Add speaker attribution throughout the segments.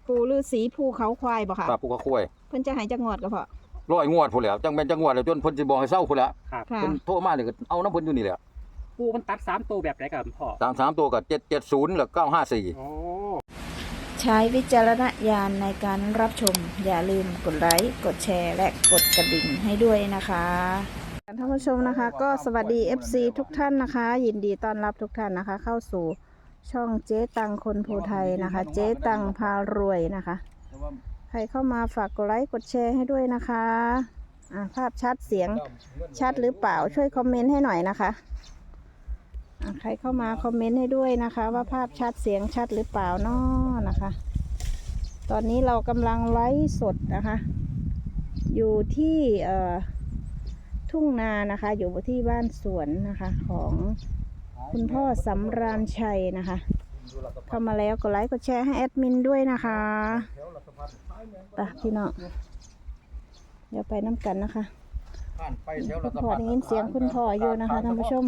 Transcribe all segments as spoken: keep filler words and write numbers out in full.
Speaker 1: ปู่ฤาษีภูเขาควายบ่ค่ะ
Speaker 2: ครับภูเขาควาย
Speaker 1: เพิ่นจะให้จักงวดก็พอ
Speaker 2: ร้อยงวดพุ่นแหล้วจังแม่นจังงวดแล้วจนเพิ่นสิบอกให้เซาพุ่นแหล้ว
Speaker 3: ครับ
Speaker 1: ค่ะ
Speaker 2: เพิ่นโทรมานี่ก็เอาน้ำเพิ่นอยู่นี่แหละ
Speaker 3: ปูมันตัดสามตัวแบบไหนกับพ่อ
Speaker 2: ตามสามตัวก็เจ็ดเจ็ดศูนย์แล้วเก้าห้าสี่
Speaker 3: โอ้
Speaker 1: ใช้วิจารณญาณในการรับชมอย่าลืมกดไลค์กดแชร์และกดกระดิ่งให้ด้วยนะคะท่านผู้ชมนะคะก็สวัสดี เอฟ ซี ทุกท่านนะคะ ยินดีต้อนรับทุกท่านนะคะ เข้าสู่ช่องเจ๊ตังคนภูไทยนะคะ เจ๊ตังพารวยนะคะใครเข้ามาฝากกดไลค์กดแชร์ให้ด้วยนะคะอ่าภาพชัดเสียงชัดหรือเปล่าช่วยคอมเมนต์ให้หน่อยนะคะอ่าใครเข้ามาคอมเมนต์ให้ด้วยนะคะ ว่าภาพชัดเสียงชัดหรือเปล่าเนาะนะคะ ตอนนี้เรากำลังไลฟ์สดนะคะ อยู่ที่เอ่อทุ่งนานะคะ อยู่ที่บ้านสวนนะคะของคุณพ่อสำราญชัยนะคะ เข้ามาแล้วกดไลค์กดแชร์ให้แอดมินด้วยนะคะไปพี่น้องเดี๋ยวไปน้ำกันนะคะคุณพ่อได้ยินเสียงคุณพ่ออยู่นะคะท่านผู้ชม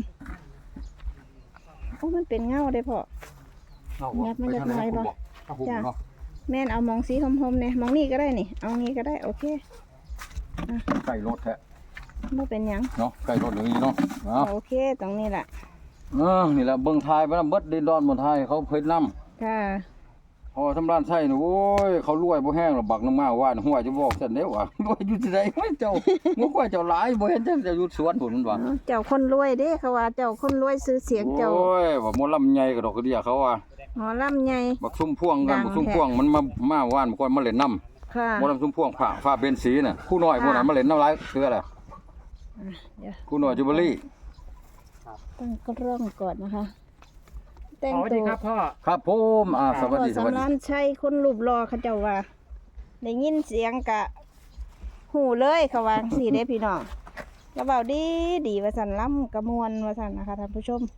Speaker 1: โอ้มันเป็นเงาได้พ่อยัดมันยัดน้อยบ่จ้ะแม่นเอามองสีหอมๆเนี่ยมองนี่ก็ได้นี่เอางี้ก็ได้โอเค
Speaker 2: ไก่รถแท้
Speaker 1: ไม่เป็นหยัง
Speaker 2: เนาะไก่รถอย่างนี้เนาะเนาะ
Speaker 1: โอเคตรงนี้แหละ
Speaker 2: เออนี่แหละเบิ่งทายไปนำเบิดดินดอนบนทายเขาเพิ่นนำ
Speaker 1: ค่ะ
Speaker 2: พอทำร้านไส้นี่โอ้ยเขารวยบ่แห้งหรอกบักน้ำมาว่านหัวจะบอกซั่นเด้อว่ารวยอยู่ที่ใดเฮ้ยเจ้าบ่ค่อยเจ้าหลายบ่เห็นจังจะอยู่สวนพุ่นมันว่า
Speaker 1: เจ้าคนรวยเด้เขาว่าเจ้าคนรวยซื้อเสียงเจ้า
Speaker 2: โอ้ยว่าหมอลำใหญ่ก็ดอกกระเดียเขาว่า
Speaker 1: หมอลำใหญ่
Speaker 2: บักซุ่มพ่วงกัน
Speaker 1: ดัง
Speaker 2: บักซุ่ม
Speaker 1: แท้
Speaker 2: พ่วงมันมามาว่านบ่ค่อยมาเล่นน้ำ
Speaker 1: ค่ะ
Speaker 2: หมอลำซุ่มพ่วงผ้าฟ้าเบนสีน่ะคู่น้อยพวกนั้นมาเล่นน้ำหลายเทื่อแหละ
Speaker 1: เดี๋ยว
Speaker 2: คู่น้อยจูเบอรี่
Speaker 1: ตั้งกล้องก่อนนะคะแต่ง
Speaker 3: สวัส
Speaker 1: ตั
Speaker 3: ดี
Speaker 1: ว
Speaker 3: ครับพ่อ
Speaker 2: ครับผมอ่าสวัส
Speaker 1: พ่อ
Speaker 2: ดีสวัส
Speaker 1: สำ
Speaker 2: ดี
Speaker 1: รานชัยคนรูปรอเขาเจ้าว่าได้ยินเสียงกะหูเลยเขาวาจั่งสี่ได้พี่น้องกระเบาดีดีว่าสันล่ำกระมวลว่าสันนะคะท่านผู้ชม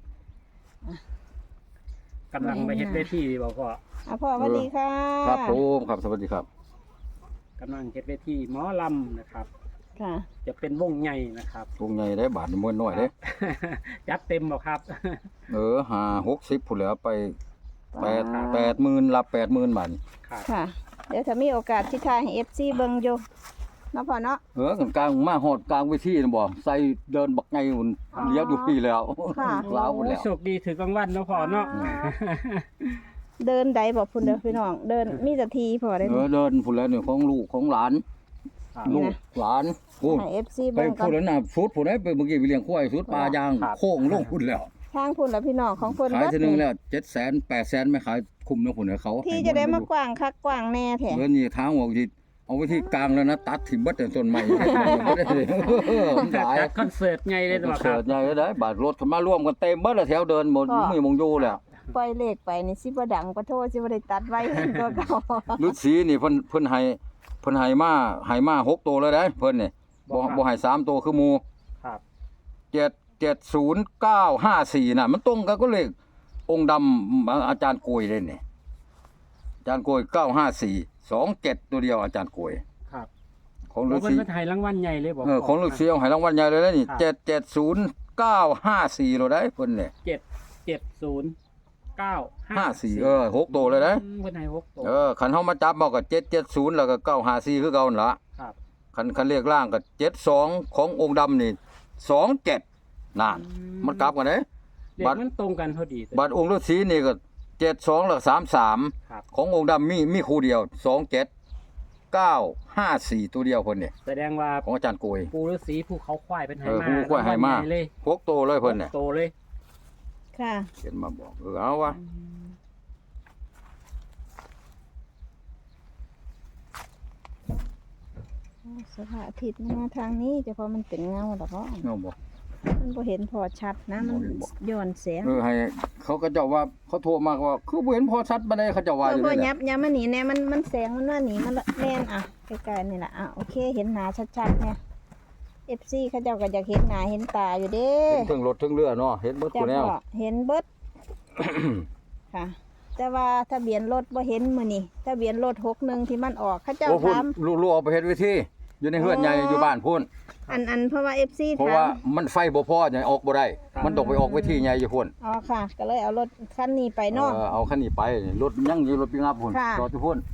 Speaker 3: กำลังไปเฮ็ดเวทีบอกพ่อ
Speaker 1: อ่ะพ่อสวัสดีค่ะ
Speaker 2: ครับผมครับสวัสดีครับ
Speaker 3: กำลังเฮ็ดเวทีหมอลำนะครับ
Speaker 1: ค่ะ
Speaker 3: จะเป็นวงใหญ่นะครับ
Speaker 2: วงใหญ่ได้บาทมวยน้อยเด้
Speaker 3: จัดเต็มบ่ครับ
Speaker 2: เออห้า หกสิบพุ่นแล้วไปแปด แปดหมื่นรับแปดหมื่นบาท
Speaker 3: ครับ
Speaker 1: ค่ะ เดี๋ยวถ้ามีโอกาสที่ทายให้เอฟซีเบิงอยู่เนาะพ่อเนาะ
Speaker 2: เออกลางมาฮอดกลางเวทีน่ะบ่ใส่เดินบักไงหุ่น
Speaker 1: อ๋อ
Speaker 2: เลี้ยวอยู่พี่แล้ว
Speaker 1: ค่ะ
Speaker 2: ลาวพุ่นแล้ว
Speaker 3: โชคดีถือกลางวันเนาะพ่อเนาะ
Speaker 1: เดินใดบอกพุ่นเด้อพี่น้องเดินมีแต่ทีพอได้
Speaker 2: เออเดินพุ่นแล้วเนี่ยของลูกของหลาน
Speaker 3: ครับ
Speaker 2: ลูกหลานโอ้
Speaker 1: ให้เอฟซี
Speaker 2: ไป
Speaker 1: เบิ่งก่อ
Speaker 2: พุ่น
Speaker 1: น
Speaker 2: แล้วน่ะสุดพุ่นได้ไปเมื่อกี้ไปเลี้ยงควายสุดปลายางโค้งลงพุ่นแล้ว
Speaker 1: ทางพุ่นแล้วพี่น้องของเพิ่น
Speaker 2: ขาย
Speaker 1: เบิด
Speaker 2: ทีนึงแล้วเจ็ดแสนแปดแสนไม่ขายคุมนะพุ่นให้เขา
Speaker 1: ที่จะได้มากว้างคักกว้างแน่แท้
Speaker 2: เออนี่ทางออกที่เอาไว้ที่กลางแล้วนะตัดถิ่มเบิดแต่ต้นไม้บ่ได้เลยมันหลาย
Speaker 3: จัดคอนเสิร์ตใหญ่เลย
Speaker 2: คอน
Speaker 3: บ่ค
Speaker 2: เสิ
Speaker 3: รับ
Speaker 2: ร์ตใหญ่ได้บาดรถเข้ามาร่วมกันเต็มเบิดแล้วแถวเดินหมดไม่มงอยู่แล้ว
Speaker 1: ปล่อยเลขไปนี่สิบ่ดังปะโทสิบ่ได้ตัดไว้ตัวเก่า
Speaker 2: ฤาษีนี่เพิ่นเพิ่นให้เพิ่นให้มาให้มาหกตัวเลยได้เพิ่นนี่บ่บ่ให้สามตัวคือหมู่
Speaker 3: ครับ
Speaker 2: เจ็ด เจ็ด ศูนย์ เก้า ห้า สี่น่ะมันตรงกันก็เลของค์ดำอาจารย์โกยเลยนี่อาจารย์โกยเก้า ห้า สี่ สอง เจ็ดตัวเดียวอาจารย์โกย
Speaker 3: ครับ
Speaker 2: ของ
Speaker 3: แล้
Speaker 2: ฤาว
Speaker 3: เพิ่น
Speaker 2: ษี
Speaker 3: มาถ่ายรางวัลใหญ่เลยบ่
Speaker 2: เออของฤาษีเอาให้รางวัลใหญ่เลยนะนี่
Speaker 3: ครับ
Speaker 2: เจ็ด เจ็ด ศูนย์ เก้า ห้า สี่โลได้เพิ่นนี่
Speaker 3: เจ็ด เจ็ด ศูนย์ เก้า
Speaker 2: ห้า สี่ เออหกตัวเลยนะ
Speaker 3: อืมเพิ่นให้หกตัว
Speaker 2: เออคันเฮามาจับเอาก็เจ็ด เจ็ด ศูนย์แล้วก็เก้า ห้า สี่คือเก่านั่นล่ะ
Speaker 3: ครับ
Speaker 2: คันคันเลขล่างก็เจ็ด สองขององค์ดำนี่สอง เจ็ดนั่นมันกลับกันเด้
Speaker 3: เด็ก
Speaker 2: บัตร
Speaker 3: มันตรงกันพอดี
Speaker 2: บัตรองค์ฤาษีนี่ก็เจ็ด สองแล้วก็สาม สาม
Speaker 3: ครับ
Speaker 2: ขององค์ดำมีมีคู่เดียวสอง เจ็ด เก้า ห้า สี่ตัวเดียวเพิ่นนี่
Speaker 3: แสดงว่า
Speaker 2: ของอาจารย์โกย
Speaker 3: ปูฤาษีภูเขาควายเป็นไห
Speaker 2: เออ
Speaker 3: มา
Speaker 2: ผู้ควายให้มา
Speaker 3: รางวัลใญ่เลย
Speaker 2: พกโตเลยเพิ่นนี่
Speaker 3: โตเลย
Speaker 1: ค่ะ
Speaker 2: เขียนมาบอกเออเอาวะ
Speaker 1: สภาพอาทิตย์มันมาทางนี้แต่พอมันเป็นเงาดอกเนาะ
Speaker 2: เนาะบ่
Speaker 1: มันบ่เห็นพอชัดนะมัน
Speaker 2: บ่เห็นบ่
Speaker 1: ย้อนแสง
Speaker 2: เออให้เขาก็เจ้าว่าเขาโทรมาว่าคือบ่เห็นพอชัดบ่ได้เขาเจ้าว่า
Speaker 1: เอ
Speaker 2: อ
Speaker 1: อยู่ บ่
Speaker 2: นี่แห
Speaker 1: ยั
Speaker 2: ละ
Speaker 1: บยับมาหนีแน่มันมันแสงมันว่าหนีมันแน่นอ่ะใกล้ๆนี่แหละอ่ะโอเคเห็นหน้าชัดๆเนี่ย เอฟ ซี เขาเจ้าก็อยากเห็นหน้าเห็นตาอยู่เด้
Speaker 2: เห็นถึงรถถึงเรือเนาะเห็นเบิด
Speaker 1: จ้า
Speaker 2: ผู้แนว
Speaker 1: พ่อเห็นเบิด ค่ะ แต่ว่าทะเบียนรถบ่เห็นมื้อนี้ทะเบียนรถหกหนึ่งที่มันออกเขาเจ้า
Speaker 2: โอ้พุ่น
Speaker 1: ถาม
Speaker 2: ลูกๆเอาไปเฮ็ดวิธีอยู่ในเฮือนใหญ่อยู่บ้านพุ่น
Speaker 1: อันอันเพราะว่า เอฟ ซี
Speaker 2: เพราะ
Speaker 1: ถาม
Speaker 2: ว่ามันไฟบ่พอจะออกบ่ได้ มันต้องไปออกวิธีใหญ่อยู่พุ่น
Speaker 1: อ๋อค่ะ ก็เลยเอารถคันนี้ไปเนาะ
Speaker 2: เออเอาคันนี้ไปรถยังอยู่รถปิกอัพพุ่น
Speaker 1: ค่ะ
Speaker 2: จอดอยู่พุ่น
Speaker 1: ท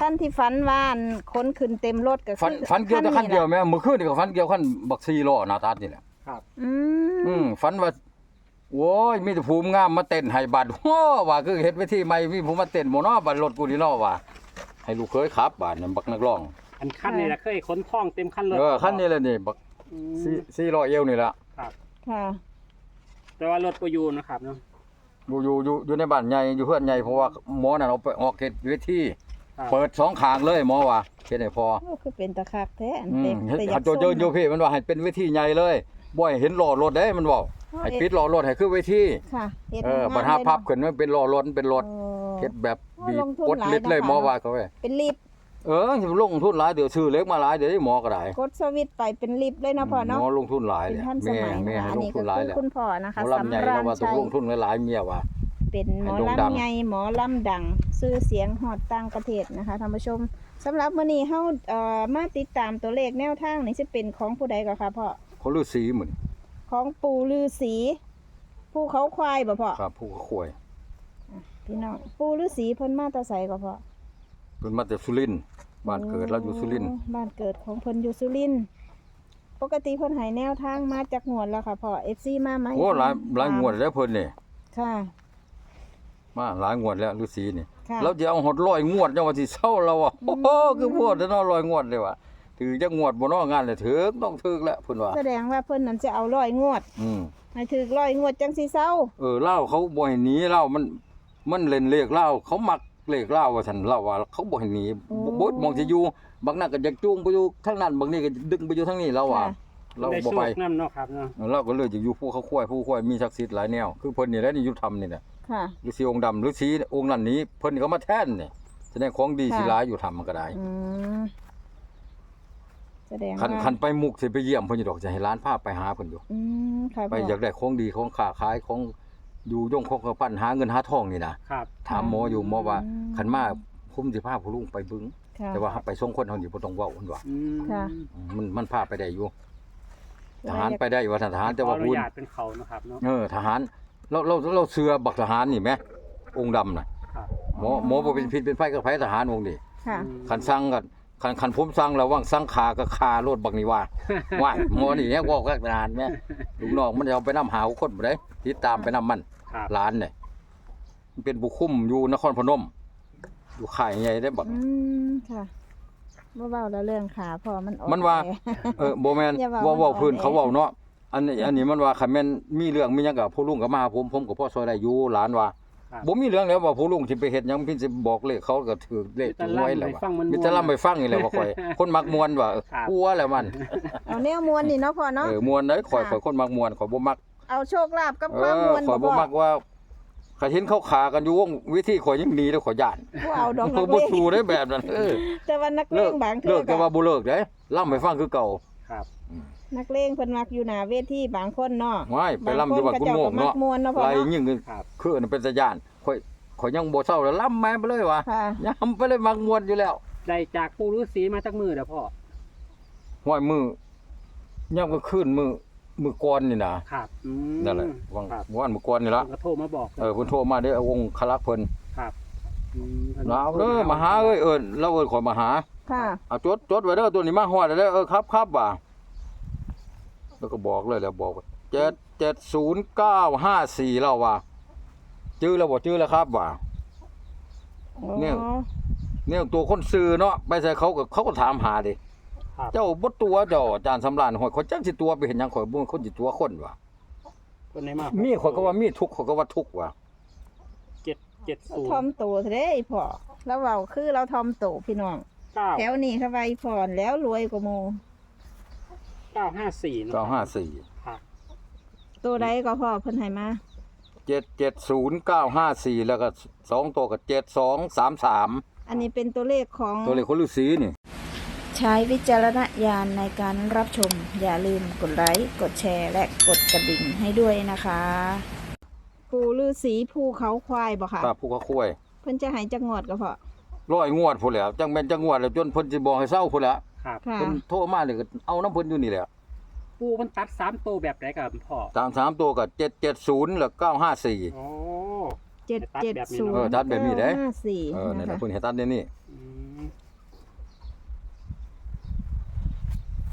Speaker 1: ท่านที่ฝันว่าอันคนขึ้นเต็มรถก็คือ
Speaker 2: ฟันฟันเกี่ยวแต่คันเดียว
Speaker 1: ล่ะ
Speaker 2: แม่เมื่อคืนนี่ก็ฟันเกี่ยวคันบักซีล้อหน้าตานี่แหละ
Speaker 3: ครับ
Speaker 1: อื
Speaker 2: อื
Speaker 1: ม
Speaker 2: มฟันว่าโว้ยมีแต่ภูมิงามมาเต้นให้บัดโอ้ว่าคือเฮ็ดไว้ที่ใหม่มีผู้มาเต้นบ่เนาะบัดรถกูนี่เนาะว่าให้ลูกเคยขับาดนั่นบักนักร้อง
Speaker 3: อันคันนี่แหละเคยขนท่องเต็มคันรถ
Speaker 2: เออคันนี้แหละนี่บัก
Speaker 3: อื
Speaker 2: สี่
Speaker 3: ม
Speaker 2: สี่ร้อยเอวนี่ล่ะ
Speaker 3: ครับ
Speaker 1: ค่ะ
Speaker 3: แต่ว่ารถก็อยู่นะครับเนาะ
Speaker 2: อยู่อยู่อยู่อยู่ในบ้านใหญ่อยู่เพื่อนใหญ่เพราะว่าหมอนั่นเอาไปออกเขตเวที
Speaker 3: ครับ
Speaker 2: เปิดสองข้างเลยหมอว่าเฮ็ดให้พอ
Speaker 1: โอ้คือเป็นตะคักแท้อัน
Speaker 2: อื
Speaker 1: เต็
Speaker 2: ม
Speaker 1: ม
Speaker 2: เฮ็ด
Speaker 1: แต่อ
Speaker 2: หั
Speaker 1: ยาก
Speaker 2: นโจเจออยู่
Speaker 1: ส้ม
Speaker 2: พี่มันว่าให้เป็นเวทีใหญ่เลยบ่ให้เห็นล้อรถเด้มันบอกให้ปิดล้อรถให้คือเวที
Speaker 1: ค่ะฮ็ด
Speaker 2: เออ
Speaker 1: ให้
Speaker 2: บัดหาพับขึ้นมันเป็นล้อรถเป็นรถ
Speaker 1: โอ้
Speaker 2: เฮ็ดแบบบีบ
Speaker 1: ลงทุน
Speaker 2: กด
Speaker 1: หลาย
Speaker 2: ลิดเลย
Speaker 1: นะคะ
Speaker 2: หมอว่าเขาไว้
Speaker 1: เป็นลิฟต์
Speaker 2: เออสิลงทุนหลายเดี๋ยวซื้อเล็กมาหลายเดี๋ยวหมอก็ได้
Speaker 1: กดสวิตช์ไปเป็นลิฟต์เลยเนาะพ่อเนาะ
Speaker 2: หมอลงทุนหลาย
Speaker 1: เป็น
Speaker 2: เลย
Speaker 1: ท่านส
Speaker 2: แม่
Speaker 1: มัย
Speaker 2: แม่
Speaker 1: นะคะ
Speaker 2: ให้
Speaker 1: อัน
Speaker 2: ลง
Speaker 1: นี้
Speaker 2: ทุ
Speaker 1: ก็
Speaker 2: นหลาย
Speaker 1: คือ
Speaker 2: แล้ว
Speaker 1: คุณพ่อนะ
Speaker 2: หม
Speaker 1: คะ
Speaker 2: อลำใหญ่
Speaker 1: สำรา
Speaker 2: เรา
Speaker 1: ญ
Speaker 2: ว่าต้อ
Speaker 1: ชั
Speaker 2: ง
Speaker 1: ย
Speaker 2: ลงทุนหลายๆเมียว่า
Speaker 1: เป็นหมอ
Speaker 2: ให้โด่งดัง
Speaker 1: ลำใหญ่หมอลำดังชื่อเสียงฮอดต่างประเทศนะคะท่านผู้ชมสำหรับมื้อนี้เฮาเอ่อมาติดตามตัวเลขแนวทางนี่สิเป็นของผู้ใดก็ค่ะพ่อ
Speaker 2: เขาฤาษีเหมือน
Speaker 1: ของปู่ฤาษีผู้เขาควายบ่พ่อ
Speaker 2: ครับผู้ข่วย
Speaker 1: พี่น้องปู่ฤาษีเพิ่นมาแต่ไสก็พ่อ
Speaker 2: เพิ่นมาจากสุรินทร์บ้านเกิดเราอยู่สุรินทร์
Speaker 1: โอ้บ้านเกิดของเพิ่นอยู่สุรินทร์ปกติเพิ่นให้แนวทางมาจากงวดแล้วค่ะพ่อ เอฟ ซี มาไหม
Speaker 2: โอ้หลายหลายงวดแล้วเพิ่นนี่
Speaker 1: ค่ะ
Speaker 2: มาหลายงวดแล้วฤาษีนี่
Speaker 1: ค่ะ
Speaker 2: เราจะเอาหดร้อยงวดจังว่าสิเซาเราอ่ะ
Speaker 1: อื
Speaker 2: โอ้
Speaker 1: ม
Speaker 2: โหคือพวดแต่เนาะร้อยงวดเลยว่ะถือจักงวดบ่เนาะงานเลยถึกต้องถึกแล้วเพิ่นว่า
Speaker 1: แสดงว่าเพิ่นนั้นจะเอาร้อยงวด
Speaker 2: อืม
Speaker 1: ให้ถึกร้อยงวดจังสิเซา
Speaker 2: เออเล่าเขาบ่ให้หนีเล่ามันมันเล่นเลขเล่าเขามักเลขเล่าว่าซั่นเล่าว่าเขาบ่ให้หนีบ่บ่มองสิอยู่บางนั้นก็อยากจูงไปอยู่ทางนั้นบางนี้ก็ดึงไปอยู่ทางนี้เราว่า
Speaker 1: ค่ะ
Speaker 2: เรา
Speaker 3: ได้
Speaker 2: บ่
Speaker 3: โช
Speaker 2: ไป
Speaker 3: คนำเนาะครับเนาะ
Speaker 2: เราก็เลยจะอยู่ผู้เขาควายผู้ควายมีศักดิ์สิทธิ์หลายแนวคือเพิ่นนี่แหละนี่อยู่ธรรมนี่แหละ
Speaker 1: ค่ะ
Speaker 2: ฤาษีองค์ดำฤาษีองค์นั้นนี้เพิ่นก็มาแทนนี่แสดงของดี
Speaker 1: ค่ะ
Speaker 2: สิหลายอยู่ธรรมมันก็ได้
Speaker 1: อืมแสดง
Speaker 2: คัน
Speaker 1: ว่า
Speaker 2: คันไปมุกสิไปเยี่ยมเพิ่นอยู่ดอกจะให้ร้านพาไปหาเพิ่นอยู่
Speaker 1: อืมค่ะ
Speaker 2: ไป
Speaker 1: พ่อ
Speaker 2: อยากได้ของดีของค้าขายของอยู่ยงของกระปั้นหาเงินหาทองนี่นะครับ ถามหมออยู่หมอว่าคันมาคุ้มสิพาผู้ลุงไปบึง
Speaker 1: ค่ะ
Speaker 2: แต่ว่าหาไปส่งคนเฮานี่บ่ต้องเว้าเพิ่นว่า
Speaker 3: อืม
Speaker 1: ค่ะ
Speaker 2: มันมันพาไปได้อยู่ทหารไปได้ว่าทหารแต่ว่า
Speaker 3: ขออนุ
Speaker 2: คุณ
Speaker 3: ญาตเป็นเขานะครับเนาะ
Speaker 2: เออทหารเราเราเราเสือบักทหารนี่แหมองค์ดำน่ะ
Speaker 3: ครับ
Speaker 2: หมอหมอบ่เป็นพิษเป็นไฟกับไผทหารองค์นี่
Speaker 1: ค่ะ
Speaker 3: อืม
Speaker 2: คันสั่งกันคันคันผมสั่งแล้วว่างสั่งขาก็คารถบักนี่ว่า ว่าหมอนี่แฮะเว้ากับทหารแม่ลูกน้องมันจะเอาไปนำหาคนบ่ได้ติดตามไปนำมัน
Speaker 3: ครับ
Speaker 2: หลานเนี่ยมันเป็นผู้คุมอยู่นครพนมอยู่ค่ายใหญ่ได้บัก
Speaker 1: อืมค่ะบ่เว้าแล้วเรื่องขาพ่อมันออก
Speaker 2: มันว่า
Speaker 1: ไป
Speaker 2: เออบ่แม่น
Speaker 1: อย่า
Speaker 2: เว้า
Speaker 1: เว้า
Speaker 2: เว้าพื้น
Speaker 1: มันออก
Speaker 2: เขาเว้าเนาะอันนี้อันนี้มันว่าคันแม่นมีเรื่องมีหยังก็ผู้ลุงก็มาหาผมผมก็พอซอยได้อยู่หลานว่า
Speaker 3: ครับ
Speaker 2: บ่มีเรื่องแล้วว่าผู้ลุงสิไปเฮ็ดหยังเพิ่นสิบอกเลขเขาก็ถือเลข
Speaker 3: มีแต่
Speaker 2: หวยแล้ว
Speaker 3: ล่ำให้
Speaker 2: ว่า
Speaker 3: ฟังมัน
Speaker 2: มีแต่ล่ำไปฟังนี่แหละว่าข่อย คนมักม่วนว่าเออ
Speaker 3: ครับ
Speaker 2: กลัวแล้วมัน
Speaker 1: เอาแนวมวลนี่เนาะพ่อเนาะ
Speaker 2: เออม่วนได้ข่อย
Speaker 1: ค่ะ
Speaker 2: ข่อยคนมักม่วนข่อยบ่มัก
Speaker 1: เอาโชคลาภกับ
Speaker 2: เอ
Speaker 1: ความ
Speaker 2: อ
Speaker 1: มวล
Speaker 2: ข่อยบ่มักว่าข้าเห็นเขาขากันอยู่วงวิธีข่อยยังหนีแล้วข่อยย่าน
Speaker 1: บ่เอาดอกนั
Speaker 2: ข่อย
Speaker 1: กเล
Speaker 2: บ่
Speaker 1: ง
Speaker 2: สู้ได้แบบนั้นเออ
Speaker 1: แต่ว่านักเล
Speaker 2: เลิก
Speaker 1: งบางเทื่
Speaker 2: เลิ
Speaker 1: อก
Speaker 2: แต่ว่าบ่เลิกเด้ล่ำให้ฟังคือเก่า
Speaker 3: ครับ
Speaker 1: นักเลงเพิ่นมักอยู่หน้าเวทีบางคนเนาะ
Speaker 2: ว้ายไปล่ำอยู่บ้านคุณโมกเนาะ
Speaker 1: บงคก็จ้ก็มักมวนเนาะพ่อ
Speaker 2: ไล่
Speaker 1: เนาะ
Speaker 2: ยิ่งคือ
Speaker 3: ครับ
Speaker 2: คืออันนั้นเป็นตาย่านข่อยข่อยยังบ่เศร้าแล้วล่ำแม่ไปเลยว่ะ
Speaker 1: ค่ะ
Speaker 2: ยามไปเลยมักม่วนอยู่แล้ว
Speaker 3: ได้จากปู่ฤาษีมาจากมือเด้อพ่อ
Speaker 2: ห้อยมือยามก็ขึ้นมือมือก่อนนี่นะครับ
Speaker 3: อืม
Speaker 2: นั่นแหละวัง
Speaker 3: ครับ
Speaker 2: วันมือก่อนนี่ละ
Speaker 3: เพิ่นก็โทรมาบอก
Speaker 2: เออเพิ่นโทรมาเด้อเอาองค์คลักษ์เพิ่น
Speaker 3: ครับอืมพิ่น
Speaker 2: เอาเด้อมาหาเอ้ยเอิ้นเราเอิ้นข่อยมาหา
Speaker 1: ค่ะ
Speaker 2: เอาจดจดไว้เด้อตัวนี้มาฮอดแล้วเด้อเออครับครับว่ะแล้วก็บอกเลยแล้วบอกว่าเจ็ด เจ็ด ศูนย์ เก้า ห้า สี่แล้วว่ะจื้อแล้วบ่จื้อแล้วครับว่ะ เนี่ย
Speaker 1: อ๋อ
Speaker 2: เนี่ยตัวคนซื้อเนาะไปใส่เขาก็เขาก็ถามหาดิ
Speaker 3: ครับ
Speaker 2: เจ้าบ่ตัวเจ้าอาจารย์สำราญหอยข่อยจักสิตัวไปเห็นหยังข่อยบ่คนสิตัวคนว่ะ
Speaker 3: เพิ่นให้มา
Speaker 2: มีข่อยก็ว่ามีทุกข์ข่อยก็ว่าทุกข์ว่ะ
Speaker 3: เจ็ดเจ็ดศูน
Speaker 1: ทอม
Speaker 3: ย์
Speaker 1: โตซะเด้อีพ่อแล้วเว้าคือเราทอมโตพี่น้อง
Speaker 3: เก้า
Speaker 1: แถวนี้เขาไว้พรแล้วรวยกว่าหมู่
Speaker 3: เก้าห้าสี่เนาะ
Speaker 2: เก้าห้าสี่
Speaker 3: ครับ
Speaker 1: ตัวใดก็พ่อเพิ่นให้มา
Speaker 2: เจ็ด เจ็ด ศูนย์ เก้า ห้า สี่แล้วก็สองตัวก็เจ็ด สอง สาม สาม
Speaker 1: อันนี้เป็นตัวเลขของ
Speaker 2: ตัวเลขคนฤาษีนี่
Speaker 1: ใช้วิจารณญาณในการรับชม อย่าลืมกดไลค์กดแชร์และกดกระดิ่งให้ด้วยนะคะ ปู่ฤาษีภูเขาควายบ่ค่ะ
Speaker 2: ครับผู้เขาคุย
Speaker 1: เพิ่นจะให้จักงวดก็พอ
Speaker 2: ร้อยงวดพุ่นแหล้วจังแม่นจังงวดแล้วจนเพิ่นสิบอกให้เซาพุ่นแหล้ว
Speaker 3: ครับ
Speaker 1: ค่ะ
Speaker 2: เพิ่นโทรมานี่ก็เอาน้ำเพิ่นอยู่นี่แหละ
Speaker 3: ปู่มันตัดสามตัวแบบไหนกับพ่อ
Speaker 2: ตามสามตัวก็เจ็ด เจ็ด ศูนย์แล้วเก้า ห้า สี่
Speaker 3: โอ้
Speaker 1: เจ็ดเจ็ดศูน
Speaker 2: เออ
Speaker 1: ย์
Speaker 2: ตัดแบบนี้เด้
Speaker 1: ห้าสี่
Speaker 2: เออนี่นแหละ
Speaker 1: นะคะ
Speaker 2: เพิ่นให้ตัดเดี๋ยวนี้
Speaker 3: อืม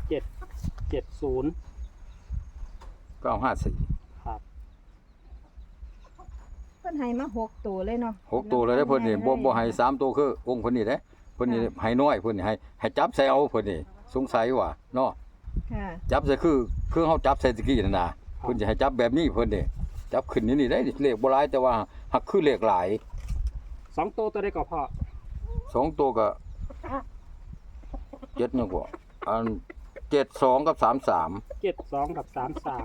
Speaker 3: เจ็ดเจ็ดศูนย์
Speaker 2: เก้าห้าสี่
Speaker 3: ครับ
Speaker 1: เพิ่นให้มาหกตัวเลยเนาะ
Speaker 2: หกตัวเลยเด้อเพิ่นนี่บ่บ่ให้สามตัวคือองค์เพิ่นนี่เด้เพิ่นนี่ให้น้อยเพิ่นนี่ให้ให้จับใส่เอาเพิ่นนี่สงสัยว่าเนาะ
Speaker 1: ค่ะ
Speaker 2: จับใส่คือคือเฮาจับใส่ตะกี้นั่นน่ะเพิ่นสิให้จับแบบนี้เพิ่นนี่จับขึ้นนี่นี่ได้เลขบ่หลายแต่ว่าหักคือเลขหลาย
Speaker 3: สองตัวตัวได้ก็พ่อ
Speaker 2: สองตัวก็เจ็ดยังกว่าอันเจ็ดสองกับสามสาม
Speaker 3: เจ็ดสองกับสามสาม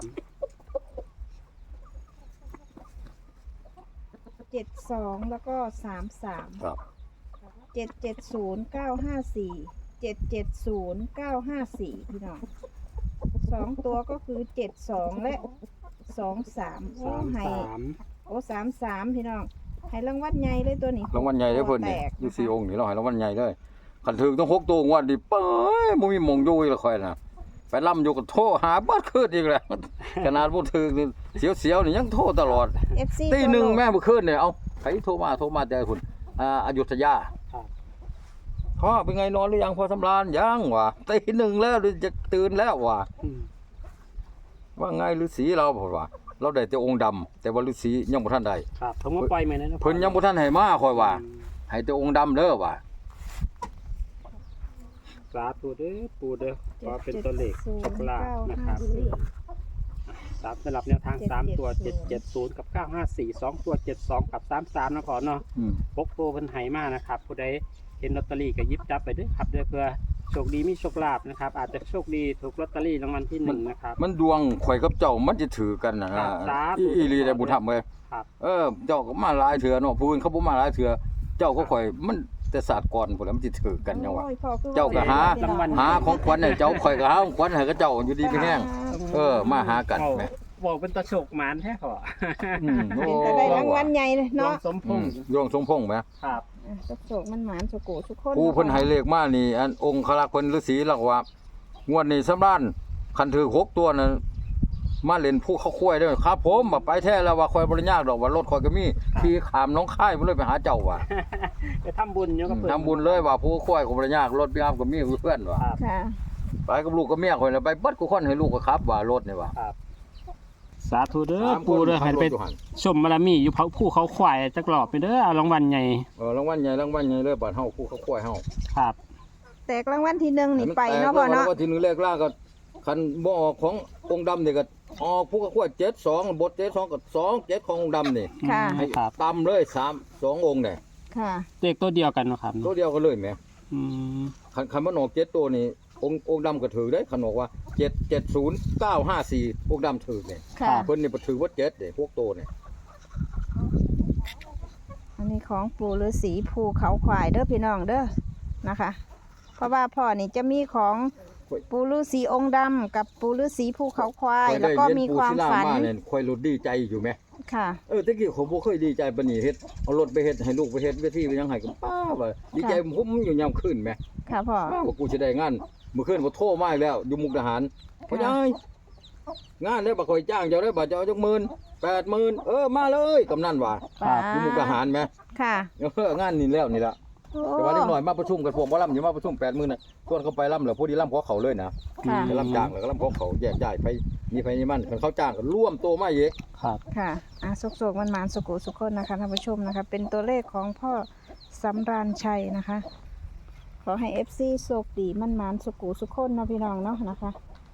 Speaker 1: เจ็ดสองแล้วก็สามสาม
Speaker 2: ครับ
Speaker 1: เจ็ดเจ็ดศูนย์เก้าห้าสี่เจ็ดเจ็ดศูนย์เก้าห้าสี่พี่น้องสองตัวก็คือเจ็ดสองและสองสามโอ้
Speaker 3: สาม
Speaker 1: ให้
Speaker 3: สาม
Speaker 1: โอ้สามสามพี่น้องให้รางวัลใหญ่เลยตัวนี้
Speaker 2: รางวัลใหญ่เด้อเพิ่นนี่
Speaker 1: แตก
Speaker 2: อยู่สี่องค์นี่เราให้รางวัลใหญ่เลยคันถึงต้องหกตัวงวดนี่เป้ยบ่มีหม่องอยู่อีกและค่อยน่ะไปล่ำอยู่ก็โทรหาเบิดคืนอีกแล้ว ขนาดบ่ถึงนี่เสียวๆนี่ยังโทรตลอด
Speaker 1: เอฟซี
Speaker 2: ตีหนึ่งแม่เมื่อคืนเนี่ยเอาใครโทรมาโทรมาแต่คุณอ่าอยุธยา
Speaker 3: ครับ
Speaker 2: พ่อเป็นไงนอนหรือยังพอสำราญยังวะตีหนึ่งแล้วหรือจะตื่นแล้ววะ
Speaker 3: อืม
Speaker 2: ว่าไงฤาษีเราบอกว่า เราได้แต่องค์ดำแต่ว่าฤาษียังบ่ทันได้
Speaker 3: ครับผมว่าปล่อยไหมนะ
Speaker 2: เพิ่นยังบ่ทันให้มาคอยว่า
Speaker 3: อืม
Speaker 2: ให้แต่องค์ดำเด้อว่า
Speaker 3: สาธุเด้อปูเด้อก็เป็นตัวเลขโชคลาภนะครับสามสำหรับแนวทางสามตัวเจ็ดเจ็ดศูนย์กับเก้าห้าสี่สองตัวเจ็ดสองกับสามสามนะขอเนาะ
Speaker 2: อืม
Speaker 3: ปกโปรเพิ่นไหมานะครับผู้ใดเห็นลอตเตอรี่ก็หยิบจับไปเด้วยครับเด้อเพื่อโชคดีมีโชคลาภนะครับอาจจะโชคดีถูกลอตเตอรี่รางวัลที่หนึ่งนะครับ
Speaker 2: มันดวงข่อยกับเจ้ามันจะถือกันนะ
Speaker 3: ครับสาธุ
Speaker 2: อีอีหลีได้บุญธรรมเว้ย
Speaker 3: ครับ
Speaker 2: เออเจ้าก็มาหลายเถื่อเนาะผู้อื่นเขาบ่มาหลายเถื่อเจ้าก็ข่อยมันแต่ศาสตร์ก่อนพุ่นแหล้วมันสิถือกันจังว่า
Speaker 1: โอ้ยพ่อคือ
Speaker 2: เจ้าก็หา
Speaker 1: พี่น้อง
Speaker 2: หาของขวัญให้เจ้าข่อยก็หาของขวัญให้กับเจ้าอยู่ดีมีแห้ง เออมาหากันแหม
Speaker 3: บอกเป็นตะโชคหมานแท้ขอ
Speaker 2: อืมโอ้
Speaker 1: เป็นแต่ได้รางวัลใหญ่เลย
Speaker 3: น้อ
Speaker 1: เนาะ
Speaker 3: งสมพ
Speaker 2: อื
Speaker 3: ง
Speaker 2: ม
Speaker 3: ษ์
Speaker 2: ดวงสมพงษ์ไหม
Speaker 3: ครับ
Speaker 1: อ่ะสุขโศกมันหมานสุโกสุขคน
Speaker 2: ผู้เพิ่นให้เลขมานี่ อันองค์คลักษ์เพิ่นฤาษีเล่าว่างวดนี้สำราญคันถือหกตัวนั้นมาเล่นผู้เขาคุ้ยเด้อครับผมบ่ไปแท้แล้วว่าข่อยบ่ได้ยากดอกว่ารถข่อยก็มีขี่ขามหน้องค่ายบ่เลยไปหาเจ้าว่ะ
Speaker 3: ไปทำบุญอยู่กับเพิ่น
Speaker 2: ทำบุญเลยว่าผู้คุ้ยก็บ่ได้ยากรถพี่อ้ํก็มีเพื่อนว่ะ
Speaker 3: ครับ
Speaker 1: ค่ะ
Speaker 2: ไปกับลูกกับเมียข่อยแล้วไปเบิดกูคนให้ลูกก็ขับว่ารถนี่ว่ะ
Speaker 3: ครับสาธุเด้อปูเด้อให้ไปชมบารมีอยู่เขาภูเขาควายจักรอบไปเด้อเอารางวัลใหญ่
Speaker 2: เออรางวัลใหญ่รางวัลใหญ่เลยบาดเฮาผู้เขาคุ้ยเฮา
Speaker 3: ครับ
Speaker 1: แตกรางวัลที่หนึ่งนี่ไปเนาะพ่อเนาะ
Speaker 2: รางวัลที่หนึ่งเลขล่างก็คันบ่ออกขององค์ดำนี่ก็ออกผู้เขาคุ้ยเจ็ดสองบทเจ็ดสองก็สองเจ็ดขององค์ดำนี่
Speaker 1: ค่ะ
Speaker 3: อืม
Speaker 2: ให้
Speaker 3: ครับ
Speaker 2: ตำเลยสามสององค์เนี่ย
Speaker 1: ค่ะ
Speaker 3: เลขตัวเดียวกันเนาะครับ
Speaker 2: ตัวเดียวกันเลยแหม
Speaker 3: อืม
Speaker 2: คันคันมันออกเจ็ดตัวนี่องค์องค์ดำก็ถือได้คันบอกว่าเจ็ดเจ็ดศูนย์เก้าห้าสี่องค์ดำถือเนี่ย
Speaker 1: ค่ะ
Speaker 2: เพิ่นนี่บ่ถือว่าเจ็ดเด้พวกตัวเนี่ย
Speaker 1: อันนี้ของปู่ฤาษีภูเขาควายเด้อพี่น้องเด้อนะคะ เพราะว่าพ่อนี่จะมีของปู่ฤาษีองค์ดำกับปู่ฤาษีภูเขาควาย
Speaker 2: ข่อย
Speaker 1: แล้ว
Speaker 2: ได้
Speaker 1: ก็
Speaker 2: เรียน
Speaker 1: มี
Speaker 2: ปู
Speaker 1: ความ
Speaker 2: ศิลา
Speaker 1: ฝัน
Speaker 2: มาเนี่ยข่อยรู้ดีใจอยู่แหม
Speaker 1: ค่ะ
Speaker 2: เออตะกี้ผมบ่เคยดีใจปานนี้เฮ็ดเอารถไปเฮ็ดให้ลูกไปเฮ็ดเวทีไปยังให้ก็ป้าว่าดีใจผมอยู่ยามคืนแหม
Speaker 1: ค่ะพ่อ
Speaker 2: ว่ากูสิได้งานมื้อคืนบ่โทรมาอีกแล้วอยู่มุกดาหารพ่อใหญ่งานแล้วบ่ค่อยจ้างเจ้าได้บ่เจ้าจักหมื่น แปดหมื่นเออมาเลยกำนันว่า
Speaker 3: ครับ
Speaker 2: อยู่มุกดาหารแหม
Speaker 1: ค่ะ
Speaker 2: เอองานนี่แล้วนี่ล่ะ
Speaker 1: โอ้
Speaker 2: แต่ว่าเล็กน้อยมาประชุมกันพวกบ่ล่ำอยู่มาประชุมแปดหมื่นน่ะส่วนเขาไปล่ำแล้วผู้ที่ล่ำขอเขาเลยนะ
Speaker 1: ค่ะ
Speaker 2: จะล่ำจ้างแล้วก็ล่ำขอเขาแยกย้ายไปมีไปนี่มันคันเขาจ้างก็ร่วมโตมาอีก
Speaker 3: ครับ
Speaker 1: ค่ะอ่ะสุกโศกมันหมานสุกุสุขคนนะคะท่านผู้ชมนะคะ เป็นตัวเลขของพ่อสำราญชัยนะคะ ขอให้เอฟซีโชคดีมันหมานสุกุสุขคนเนาะพี่น้องเนาะนะคะ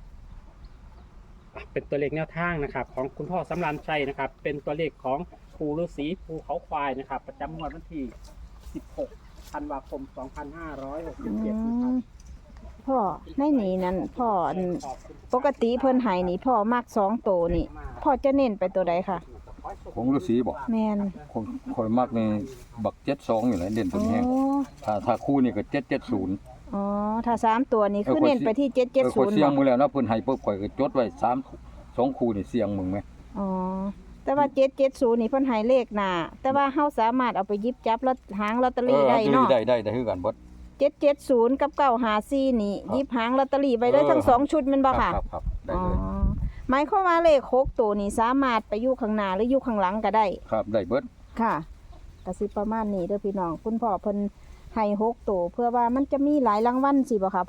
Speaker 3: เป็นตัวเลขแนวทางนะครับ ของคุณพ่อสำรานชัยนะครับ เป็นตัวเลขของภูฤาษีภูเขาควายนะครับ ประจำงวดวันที่สิบหกธันวาคมสองพันห้าร้อยหกสิ
Speaker 1: อื
Speaker 3: บเจ็ดนะครับ
Speaker 1: มพ่อในนี่นั่นพ่ออัน
Speaker 3: ขอบคุณ
Speaker 1: ปกติเพิ่นใหายนี่พ่อมักสองโตวนี่พ่อจะเน้นไปตัวใดค่ะ
Speaker 2: ของฤาษีบอก
Speaker 1: แมน
Speaker 2: คนคอยมักในบักเจ็ดสองอยู่แหละเด่นตั
Speaker 1: อ๋
Speaker 2: ว
Speaker 1: อ
Speaker 2: นี้ ถ้าถ้าคู่นี่ก็เจ็ดเจ็ดศูนย์
Speaker 1: อ๋อถ้าสามตัวนี่คือเน้นไปที่เจ็ดเจ็ด
Speaker 2: ค
Speaker 1: ศู
Speaker 2: อย
Speaker 1: นย์
Speaker 2: เสียงมือแล้วนะเพิ่นให้ปุ๊บข่อยก็จดไว้สามสองคู่นี่เสียงมึงไหม
Speaker 1: อ๋อแต่ว่าเจ็ดเจ็ดศูนย์นี่เพิ่นใหายเลขหน้าแต่ว่าเฮาสามารถเอาไปหยิบจับลอตหางลอตเตอรี่ได้เนาะ
Speaker 2: ได้ได้ได้คือกันเบิด
Speaker 1: เจ็ดเจ็ดศูนย์กับเก้าหาซี่นี่
Speaker 2: ครับ
Speaker 1: หยิบหางลอตเตอรี่ไปได้
Speaker 2: เออ
Speaker 1: ทั้งสองชุดแมันบ่ค่ะ
Speaker 2: ครับครับได้
Speaker 1: อ๋อ
Speaker 2: เลย
Speaker 1: หมายความว่าเลขหกตัวนี่สามารถไปอยู่ข้างหน้าหรืออยู่ข้างหลังก็ได้
Speaker 2: ครับได้เบิด
Speaker 1: ค่ะก็สิประมาณนี้เด้อพี่น้องคุณพ่อเพิ่นให้หกตัวเพื่อว่ามันจะมีหลายรางวัลสิบ่คะพ่อ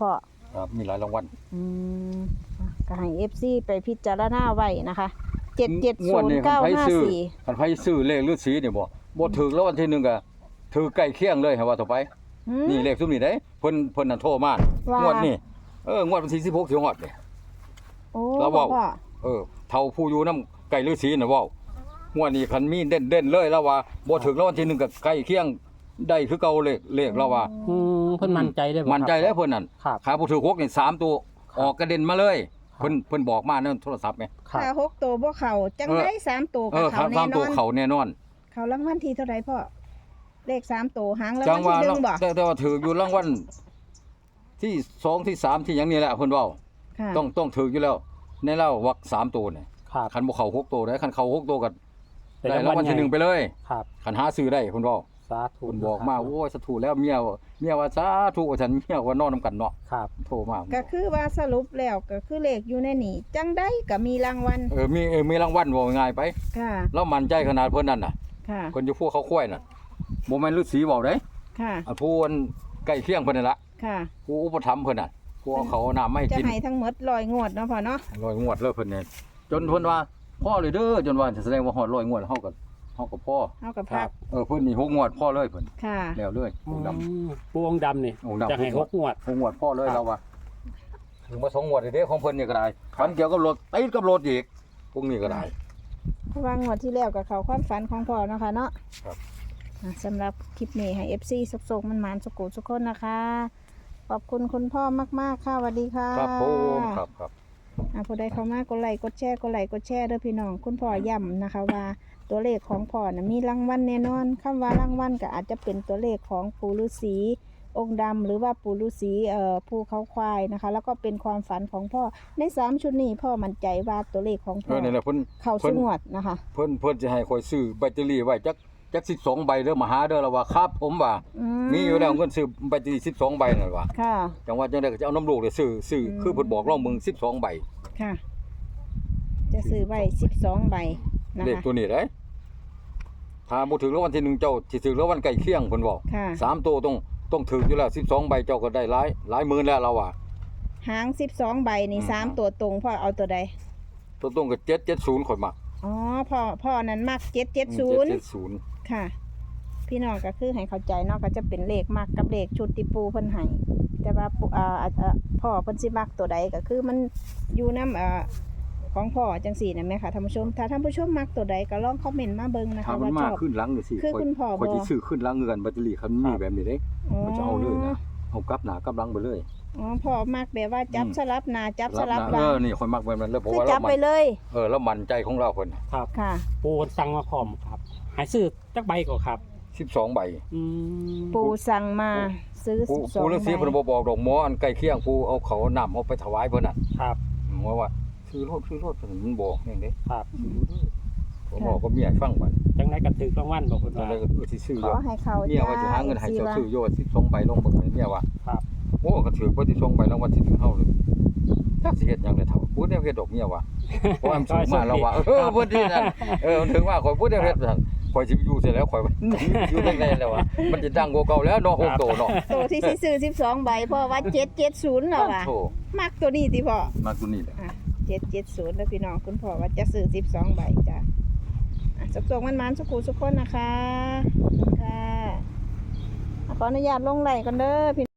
Speaker 2: ครับมีหลายรางวัล
Speaker 1: อืมอ่ะก็ให้ เอฟ ซี ไปพิจารณาไว้นะคะเจ็ดเจ็ด
Speaker 2: ง
Speaker 1: ศู
Speaker 2: วด
Speaker 1: น
Speaker 2: นี้
Speaker 1: ย์เก้า
Speaker 2: คันไผ
Speaker 1: ห้า
Speaker 2: ซื้อ
Speaker 1: สี่
Speaker 2: คันไผซื้อเลขฤาษีนี่บ่บ่ถูกแล้ววันที่หนึ่งก็ถือใกล้เคียงเลยให้ว่าต่อไป นี่เลขซุมนี้เด้เพิ่นเพิ่นน่ะโทรมา
Speaker 1: ว่าง
Speaker 2: งวดนี้เอองวดวันที่สิบหกสิฮอดนี่
Speaker 1: โอ้
Speaker 2: แล้วเว้า
Speaker 1: พ่อ
Speaker 2: เออเฒ่าผู้อยู่นำไก่ฤาษีน่ะเว้างวดนี้คันมีเด่นๆเลยแล้วว่าบ่ถูกแล้ววันที่หนึ่งก็ใกล้เคียงได้คือเก่าเลขเลขแล้วว่า
Speaker 3: อืมเพิ่นมั่นใจได้บ่
Speaker 2: มั่นใจแล้วเพิ่นนั่น
Speaker 3: ครับ
Speaker 2: ขาบ่ถูกหกนี่สามตัวออกกระเด็นมาเลย เพิ่นเพิ่นบอกมาในโทรศัพท์ไง
Speaker 3: ครับ
Speaker 1: ถ้าหกตัวบ่เข้าจังได๋สามตัว
Speaker 2: เอ
Speaker 1: ก็
Speaker 2: อ
Speaker 1: เข้า
Speaker 2: สาม
Speaker 1: แน่น
Speaker 2: ตัว
Speaker 1: อน
Speaker 2: เขาแน่นอน
Speaker 1: เข้ารางวัลที่เท่าไหร่พ่อเลขสามตัวหางราง
Speaker 2: จั
Speaker 1: วั
Speaker 2: ง
Speaker 1: ล
Speaker 2: ว่า
Speaker 1: ที่หนึ่งบ่
Speaker 2: แต่แต่ว่าถืออยู่รางวัลที่สองที่สามที่หยังนี่แหละเพิ่นเว้า
Speaker 1: ค่ะ
Speaker 2: ต้องต้องถืออยู่แล้ว ในเล่าวักสามตัวเนี่ย
Speaker 3: ครับ
Speaker 2: คันบ่เข้าหกตัวได้คันเข้าหกตัวก็
Speaker 3: เป็น
Speaker 2: ได้
Speaker 3: รางวัล
Speaker 2: รางวัลที่หนึ่งไปเลย
Speaker 3: ครับ
Speaker 2: คันหาซื้อได้เพิ่นเว้า
Speaker 3: สาธุ
Speaker 2: เพิ่นบอกมาโอ้ยสาธุแล้วเมียเมียว่าสาธุว่าฉันเมียว่านอนนํกันเนาะ
Speaker 3: ครับ
Speaker 2: โทรมา
Speaker 1: ก็คือว่าสรุปแล้วก็คือเลขอยู่ในนี่จังได้ก็มีรางวัล
Speaker 2: เออมีเออมีรางวัลว่าง่ายไป
Speaker 1: ค่ะ
Speaker 2: แล้วมั่นใจขนาดเพิ่นนั่นน่ะ
Speaker 1: ค่ะ
Speaker 2: เพิ่นอยู่พวกเขาค่อยน่ะบ่แม่นฤาษีเว้าเด้
Speaker 1: ค่ะ
Speaker 2: อันผู้อันใกล้เคียงเพิ่นนั่นล่ะ
Speaker 1: ค่ะ
Speaker 2: ผู้อุปถัมภ์เพิ่นน่ะผู้เอาเขาวเอาน้ำมาให้
Speaker 1: จะ
Speaker 2: กิน
Speaker 1: ให้ทั้งหมดร้อยงวดเนาะพ่อเนาะ
Speaker 2: ร้อยงวดเลยเพิ่นเนี่ยจนเพิ่นว่าพ่อเลยเด้อจนว่าแสดงว่าฮอดร้อยงวดเฮาก็เฮาก็พ่อ
Speaker 1: เอากับ
Speaker 3: ครั
Speaker 1: พั
Speaker 3: บ
Speaker 1: ก
Speaker 2: เออเพิ่นนี่หกงวดพ่อเลยเพิ่น
Speaker 1: ค่ะ
Speaker 2: แล้วเลยองค์ดำ
Speaker 3: อืมปูองค์ดำนี่
Speaker 2: องค์ดำ
Speaker 3: จะให้หกงวด
Speaker 2: หกงวดพ่อเลย
Speaker 3: ครับ
Speaker 2: เราว่าถึงมาสองงวดเด้ของเพิ่นนี่ก็ได้ฝันเกี่ยวกับรถติดกับรถอีกพวกนี้ก็ได้
Speaker 1: เพราะว่างวดที่แล้วกับเขาความฝันของพ่อเนาะคะเนาะ
Speaker 2: ครับ
Speaker 1: อ่ะสำหรับคลิปนี้ให้ เอฟ ซี สุกๆมันหมานๆสุกุสุกคนนะคะ ขอบคุณคุณพ่อมากๆค่ะสวัสดีค่ะ
Speaker 2: ครับผมครับครับ
Speaker 1: อ่ะผู้ใดเข้ามากดไลค์กดแชร์กดไลค์กดแชร์เด้อพี่น้องคุณพ่อย้ำนะคะว่าตัวเลขของพ่อนะมีรางวัลแน่นอนคำว่ารางวัลก็อาจจะเป็นตัวเลขของปู่ฤาษีองค์ดำหรือว่าปู่ฤาษีเอ่อภูเขาควายนะคะ แล้วก็เป็นความฝันของพ่อในสามชุดนี้พ่อมั่นใจว่าตัวเลขของ
Speaker 2: เอ
Speaker 1: พ่อ
Speaker 2: อนี่แหละเพิ่น
Speaker 1: เข้า
Speaker 2: เพิ่
Speaker 1: ส
Speaker 2: น
Speaker 1: งวดนะคะ
Speaker 2: เพิ่นเพิ่นสิให้ข่อยซื้อแบตเตอรี่ไว้จักจักสิบสองใบเด้อมาหาเด้อแล้วว่าครับผมว่า
Speaker 1: อื
Speaker 2: มีอยู่แล้วเงินซื้อแบตเตอรี่สิบสองใบนั่นว่า
Speaker 1: ค่ะ
Speaker 2: จังว่าจังได๋ก็จะเอาน้ำลูกเนี่ยซื้อซื้อ
Speaker 1: อืม
Speaker 2: คือเพิ่นบอกลองมึงสิบสองใบ
Speaker 1: ค่ะ จะซื้อไว้สิบสองใบนะ
Speaker 2: เลข
Speaker 1: คะ
Speaker 2: ตัวนี้ได้ถ้าบ่ถึงรางวัลที่หนึ่งเจ้าสิถึงรางวัลใกล้เคียงเพิ่นบอก
Speaker 1: ค่ะ
Speaker 2: สามตัวต้องต้องถึงอยู่แล้วสิบสองใบเจ้าก็ได้หลายหลายหมื่นแล้วเราว่า
Speaker 1: หางสิบสองใบนี่
Speaker 2: อืม
Speaker 1: สามตัวตรงพ่อเอาตัวใด
Speaker 2: ตัวตรงก็เจ็ดเจ็ดศูนย์ข่อยมัก
Speaker 1: อ๋อพ่อพ่อนั้นมักเจ็ดเจ็ดศูนย์
Speaker 2: เจ็ดศูนย์
Speaker 1: ค่ะ พี่น้องก็คือให้เข้าใจเนาะก็จะเป็นเลขมักกับเลขชุดที่ปูเพิ่นให้แต่ว่าปูอ่าอ่าอ่าพ่อเพิ่นสิมักตัวใดก็คือมันอยู่นำอ่าของพ่อจังสี่นะแม่ค่ะท่านผู้ชมถ้าท่านผู้ชมมักตัวใดก็ลองคอมเมนต์มาเบิ่งนะ
Speaker 2: ถ้า
Speaker 1: คะ
Speaker 2: มัน
Speaker 1: ว่าช
Speaker 2: มา
Speaker 1: อบ
Speaker 2: ขึ้นหลังจังซี่
Speaker 1: คือคุณพ่อ
Speaker 2: ข่อย
Speaker 1: บ่
Speaker 2: สิซื้อขึ้นหลังเงินแบตเตอรี่คันมีแบบนี้เด้
Speaker 1: อ๋อ
Speaker 2: ข่อยจะเอาเลยนะเอากลับหน้ากลับหลังไปเลย
Speaker 1: อ๋อพ่อมักแบบว่าจับ
Speaker 2: อืม
Speaker 1: สลับหน้าจับสลับห
Speaker 2: เอ
Speaker 1: ลัง
Speaker 2: อนี่ข่อยมักแบบนั้นเลยเพราะ
Speaker 1: คือ
Speaker 2: ว่า
Speaker 1: จั
Speaker 2: เรา
Speaker 1: บ
Speaker 2: มั
Speaker 1: ไป
Speaker 2: น
Speaker 1: เลย
Speaker 2: เออแล้วมั่นใจของเราเพิ่น
Speaker 3: ครับ
Speaker 1: ค่ะ
Speaker 3: ปูสั่งมาพร้อมครับใหายซื้อจักใบก็ครับ
Speaker 2: สิบสองใบ
Speaker 3: อืม
Speaker 1: ปูสั่งมาซื้อ
Speaker 2: ผู้
Speaker 1: สิบสอง
Speaker 2: ผู้ฤาษี
Speaker 1: ใบ
Speaker 2: เพิ่นบ่บอกดอกหมออันใกล้เคียงผู้เอาเขาวน้ำเอาไปถวายเพิ่นน่ะ
Speaker 3: ครับ
Speaker 2: หมอว่าซื้อรถซื้อรถเพิ่นมันบอกแม่งเด้
Speaker 3: ครับ
Speaker 2: ผมบอกก็เมียให้ฟังบัด
Speaker 3: จังได๋ก็ถือรางวัลบอกเพิ่น
Speaker 2: ตอน
Speaker 3: ว่า
Speaker 2: แรกก็เออสิซื้อ
Speaker 1: ข
Speaker 2: อยู่
Speaker 1: อให้เขา
Speaker 2: เมียว่าสิหาเงินให้
Speaker 1: สิ
Speaker 2: เจ้า
Speaker 1: ว่า
Speaker 2: ซื้อโยสิบสองใบลงเบิ่งเลยเมียว่า
Speaker 3: ครับ
Speaker 2: โอ้ก็ถือบ่สิบสองใบรางวัลที่หนึ่งเฮาเลยจักสิเฮ็ดหยังได้เท่าพูดแนวเฮ็ดดอกเมียว่าเพราะว่ามันสูงมาแล้วว่าเออเพิ่นที่นั่นเออมันถึงว่าข่อยพูดแนวเฮ็ดซั่นข่อยสิอยู่เสร็จแล้วข่อยอยู่จังได๋แล้วว่ามันสิดังกว่าเก่าแล้วเนาะหกโตเนาะ
Speaker 1: ตัวที่สิซื้อสิบสองใบพ่อว่าเจ็ดเจ็ดศูนย์แล้วว่ะ
Speaker 2: โธ่
Speaker 1: มักตัวนี้ติพ่อ
Speaker 2: มาตัวนี้แหละ
Speaker 1: เจ็ดเจ็ดศูนย์แล้วพี่น้องคุณพ่อว่าจะซื้อสิบสองใบจ้ะอ่ะสุกสมันมันๆสุกูสุกคนนะคะขอบคุณค่ะขออนุญาตลงไหลกันเด้อพี่